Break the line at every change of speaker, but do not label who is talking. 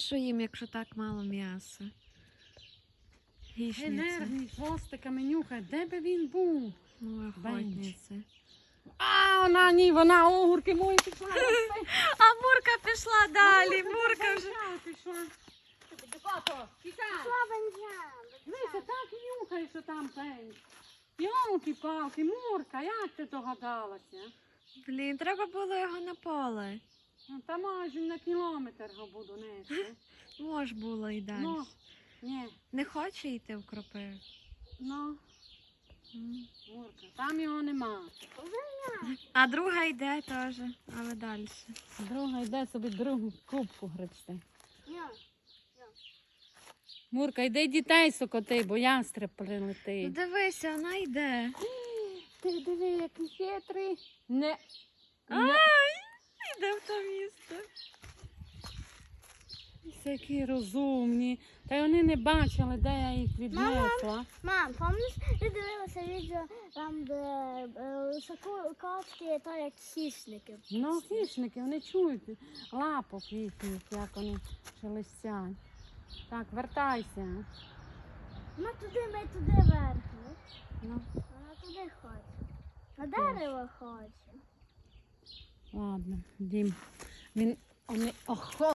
що їм, якщо так мало м'яса? Гішниця.
Нервний, хвостиками нюхає. Де би він був?
Ну, охотниця.
А, вона ні, вона огурки мої пішла.
А Мурка пішла далі. Мурка вже.
Пішла. Тікай. Дивися, так нюхає, що там пень. Йолки-палки, Мурка, як ти догадалася?
Блін, треба було його на поле.
Ну, та майже на кілометр його буду нести.
Мож було і далі.
Ну, ні,
Не хоче йти в кропив?
ну, Мурка, там його нема.
А друга йде теж, але далі.
Друга йде собі другу кубку гребсти. Мурка, йди дітей сокоти, бо ястреб
Ну,
прилетить.
дивися, вона йде.
Ти диви, який хитрий. Не.
Ай, йде в то місце.
Такі розумні. Та й вони не бачили, де я їх віднесла.
Мам, пам'ятаєш, ти дивилася відео там, де соколки, то як хищники.
Ну, хищники, вони чують лапок їхніх, як вони шелестять. Так, вертайся.
Ми туди вверх.
Ну,
Вона туди хоче. На дерево хоче.
ладно, Дім. Він, вони,